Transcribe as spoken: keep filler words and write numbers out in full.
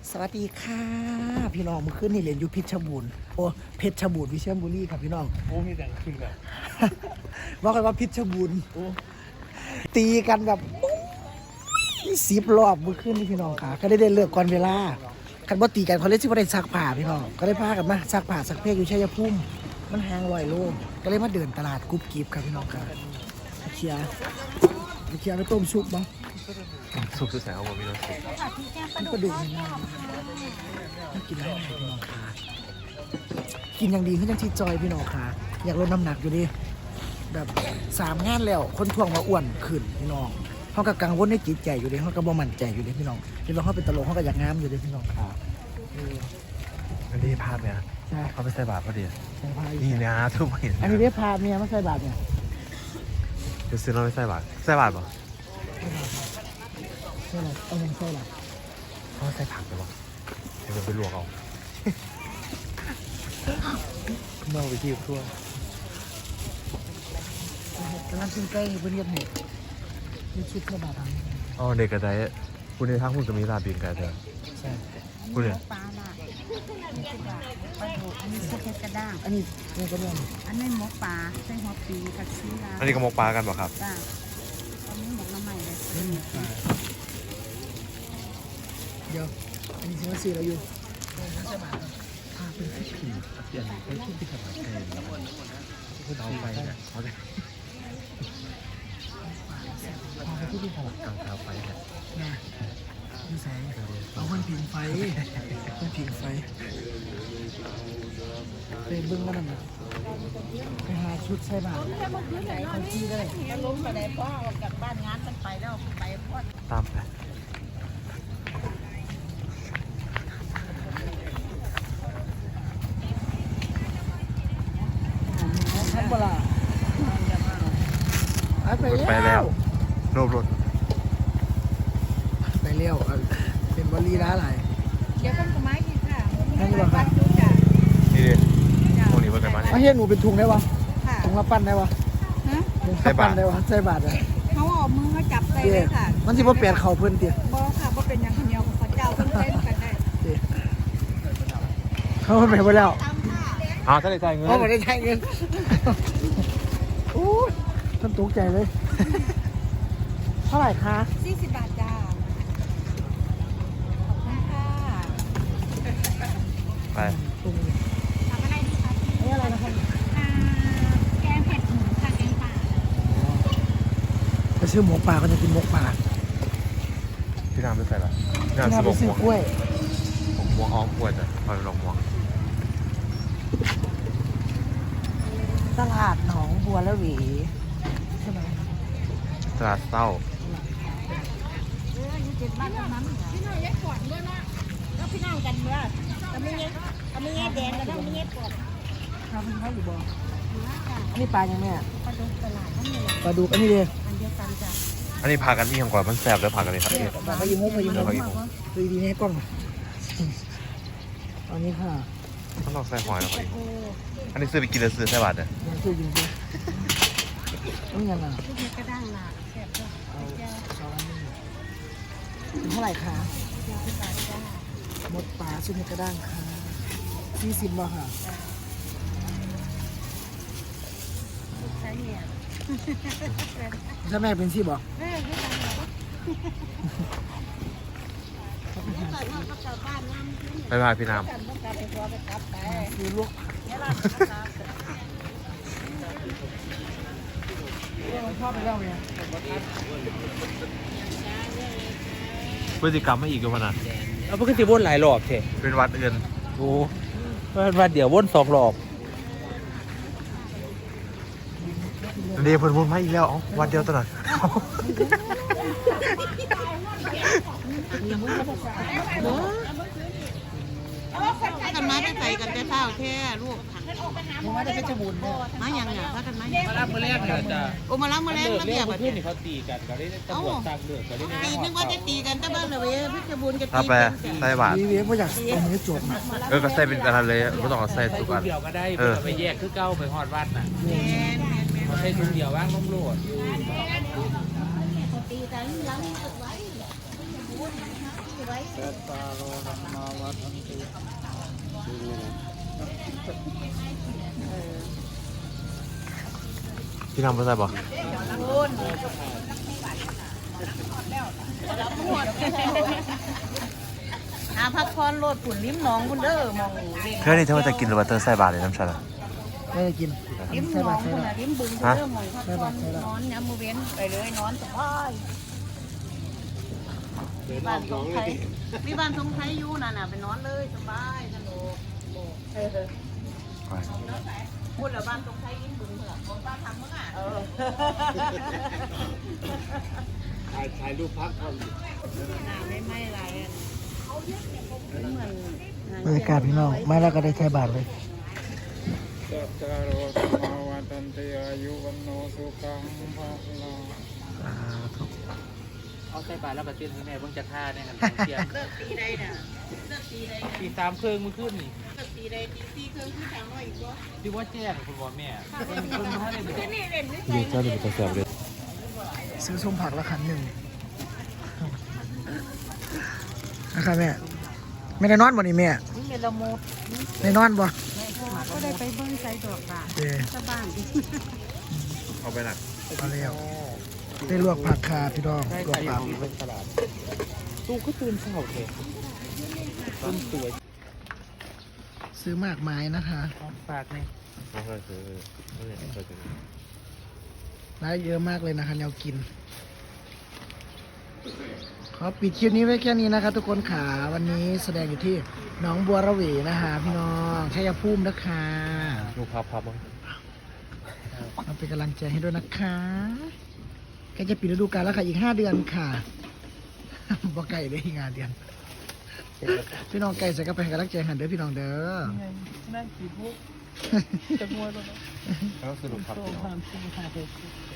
สวัสดีค่ะพี่น้องเมื่อคืนนี่เรียนอยู่เพชรบูรณ์โอ้เพชรบูรณ์วิเชียรบุรีครับพี่น้องโอ้มีแต่ขึ้นแบบว่ากันว่าเพชรบูรณ์ตีกันแบบสิบรอบเมื่อคืนนี่พี่น้องค่ะก็ได้ได้เลิกก่อนเวลาคันว่าตีกันเขาเล่นที่ว่าได้ซักผ้าพี่น้องก็ได้พากันมาซักผ้าซักเพลอยู่ชัยภูมิมันแห้งลอยโล่งก็เลยมาเดินตลาดกุ๊บกิ๊บครับพี่น้องค่ะเชียร์เชียร์ไปต้มซุปบ้างสุกสุดแสงเอาบ่มีน้ำสุกมันก็ดูง่ายมันกินได้พี่น้องค่ะกินอย่างดีขึ้นยังที่จอยพี่น้องค่ะอยากลดน้ำหนักอยู่ดิแบบสามงานแล้วคนทวงมาอ้วนขึ้นพี่น้องเขาก็กังวลในจิตใจอยู่ดิเขาก็บ่มั่นใจอยู่ดิพี่น้องพี่น้องเขาเป็นตลกเขาก็อยากงามอยู่ดิพี่น้องค่ะอันนี้ภาพเนี่ยใช่เขาไปใส่บาตรพอดีใช่พานี่นะทุกคนอันนี้ได้พาเมียมาใส่บาตรเนี่ยเดี๋ยวซื้อเราไปใส่บาตรใส่บาตรป่ะใช่หรอเอาเงินใช่หรอเขาใส่ผักไปป่ะเดี๋ยวไปลวกเอาเมื่อไปที่ทั่วกำลังกินใกล้เพื่อนเรียกเหตุมีชุดใส่บาตรอ๋อเด็กกระไดคุณในทั้งคุณจะมีลาบินกันเถอะใช่คุณเนี่ยปลาละปลาดุกอันนี้ซุปเห็ดกระด้างอันนี้นี่ก็เรื่องอันนี้หมกปลาใส่หัวปีผักชีลาอันนี้ก็มกปลากันป่ะครับจ้าอันนี้หมกน้ำใหม่เลยเดี๋ยวอันนี้ซื้อมาซื้อเราอยู่ใส่บาตรพาเป็นที่ผีเปลี่ยนไปที่ที่ถวายแทนแล้วเอาไปเนี่ยเขาจะพาไปที่ที่ถวายเอาเท้าไปเนี่ยนะดูแสงเอาคนผิงไฟคนผิงไฟไปเบิ้งกันนะไปหาชุดใส่บาตรคนที่ได้แล้วล้มไปไหนพ่อออกจากบ้านงานมันไปแล้วไปพ่อตามไปท่านบลาไปแล้วโนบรถไปเลี้ยวเป็นบรีร้าอะไรเดี๋ยวต้นไม้ดีค่ะนั่นดีกว่าค่ะนี่ดิพวกนี้ว่ากันมาเนี่ยไม่ใช่หนูเป็นถุงได้ปะถุงมาปั้นได้ปะใส่บาตรได้ปะใส่บาตรเลยเขาเอามือเขาจับใส่เลยค่ะมันสิว่าเปลี่ยนเข่าเพื่อนเตี้ยบ่ค่ะบ่เป็นอย่างเดียวเขาเจ้าเพิ่งเต้นกันได้เขาไปไปแล้วอ้าวถ้าได้จ่ายเงินเขาไม่ได้จ่ายเงินโอ้ยท่านตกใจเลยเท่าไหร่คะสี่สิบบาทจ้าขอบคุณค่ะไปทำอะไรดีคะนี่อะไรนะครับแกงเผ็ดหมูค่ะแกงป่าไปซื้อหมูป่าก็จะกินหมูป่าพี่น้ำไปใส่ละพี่น้ำไปซื้อกล้วยผมม่วงอ้อมกล้วยจ้ะคอยลองม่วงตลาดหนองบัวละหวีใช่ไหมตลาดเต้าเอออยู่เจ็ดบ้านนั้นพี่น้องแยกก่อนด้วยนะแล้วพี่น้องกันเมื่อก็ไม่แยกก็ไม่แยกแดงแล้วก็ไม่แยกก่อนทำเป็นเขาอยู่บ่อันนี้ปลายังไงอ่ะปลาดุกตลาดนั่นเลยปลาดุกอันนี้เลยอันเดียวกันจ้ะอันนี้พากันที่ยังก่อนมันแสบแล้วพากันเลยครับเนี่ยพายิงมุกพายิงมุกดูดีนี่กล้องอันนี้ค่ะต้องลองใส่หอยแล้วครับอันนี้ซื้อไปกินแล้วซื้อใส่บาทเนี่ยซื้อยิงมุกนี่ยังไงลูกเห็ดกระด้างล่ะแสบจ้ะเอาสองอันนี้เท่าไหร่คะเดียวกันจ้ะหมดปลาชิ้นเห็ดกระด้างค่ะสี่สิบบาทค่ะใช่เนี่ยถ้าแม่เป็นที่บอกแม่ไม่ทำหรอกไปพาพี่น้ำซื้อลูกชอบไปแล้วเนี่ยพฤติกรรมไม่อีกกันนะเอาเพิ่งจะวนหลายรอบเถอะเป็นวัดเอื่นโอ้เป็นวันเดี๋ยววนสองรอบเดี๋ยวเพิ่นวนมาอีกแล้ววันเดียวตลอดกันมาได้ใส่กันแต่เท้าแค่ลูกมาได้แค่จมูกเนี่ยมาอย่างเงี้ยพักกันมามาล้างมือแรกเนี่ยจ้ะโอ้มาล้างมือแรกแล้วเนี่ยแบบนี้เขาตีกันก็ได้ตำรวจตามเลือกก็ได้ตีนึกว่าจะตีกันแต่บ้านเราเว้ยพิจบุญจะตีกันใส่บาทนี่เว้ยไม่อยากเอามือจบนะเออก็ใส่เป็นอะไรเลยไม่ต้องเอาใส่ทุกอันเดียวก็ได้ไปแยกคือเก้าไปหอดวัดน่ะใส่ถุงเดียวว่างล้มโลดตีกันล้างไว้ไว้สัตตาโรธรรมาวัฏันติพี่ทำภาษาบอกคุณหาพักพรโลดผุนลิ้มหนองคุณเด้อมองเล่นเพื่อนนี่เธอว่าจะกินหรือว่าเธอใส่บาตรเลยน้ำชาละไม่ได้กินลิ้มหใส่นอบาง ตรใส่คุณบาน่ะตรลิ้มบึงคุณเด้อมองพักพรนอนย้ำมือเว้นไปเลยนอนสบายมีบ้านทรงไทยมีบ้านทรงไทยอยู่น่ะน่ะไปนอนเลยสบายสนุกเออไปพูดแล้วบ้านตรงไทยยิ้มบึงเหรอของป้าทำมั้งอ่ะเออถ่ายถ่ายรูปพักก่อนหน้าไม่ไหม้อะไรอ่ะเหมือนบรรยากาศพี่น้องมาแล้วก็ได้ใช้บาทเลยสัตตาโรธรรมาวัฏันติอายุวันโนสุขังภาลังสาธุเอาใส่บาตรแล้วก็เต้นให้แม่เบิ่งจะท่าเนี่ยกันเที่ยงเลิกตีใดน่ะเลิกตีใดตีสามครึ่งมือขึ้นนี่เลิกตีใดตีตีเครื่องที่สามร้อยอีกวะที่ว่าแจ้งคุณบอกแม่คุณมาให้เลยคือนี่เล่นไม่ใช่ยืนเจ้าหนึ่งตัวเสียบเลยซื้อส้มผักละคันหนึ่งนะครับแม่ไม่ได้นอนบ่นี่แม่นี่เมลโมได้นอนบ่ก็ได้ไปเบิ้งใจดอกค่ะเออชาวบ้านเอาไปหนักมาแล้วได้ลวกผักคาพี่น้องได้ลวใส่กผักของเป็นตลาดตู้ก็ตื่นเช้าเลยต้นสวยซื้อมากมายนะคะฝากนี่ไม่เคยซื้อไม่เคยซื้อร้านเยอะมากเลยนะคะแนวกิน ขอปิดคลิปนี้ไว้แค่นี้นะคะทุกคนขาวันนี้แสดงอยู่ที่หนองบัวระเวนะคะพี่น้องชัยภูมินะคะดูพับพับบ้างมาเป็นกำลังใจให้ด้วยนะคะใกล้จะปิดฤดูกาลแล้วค่ะอีกห้าเดือนค่ะ บ่ไก่ได้อีกห้าเดือน พี่น้องไก่ใส่กระไปให้กำลังใจหันเด้อพี่น้องเด้อนั่งกี่พวกจะมัวตรงนั้นแล้วสรุปพับความสุข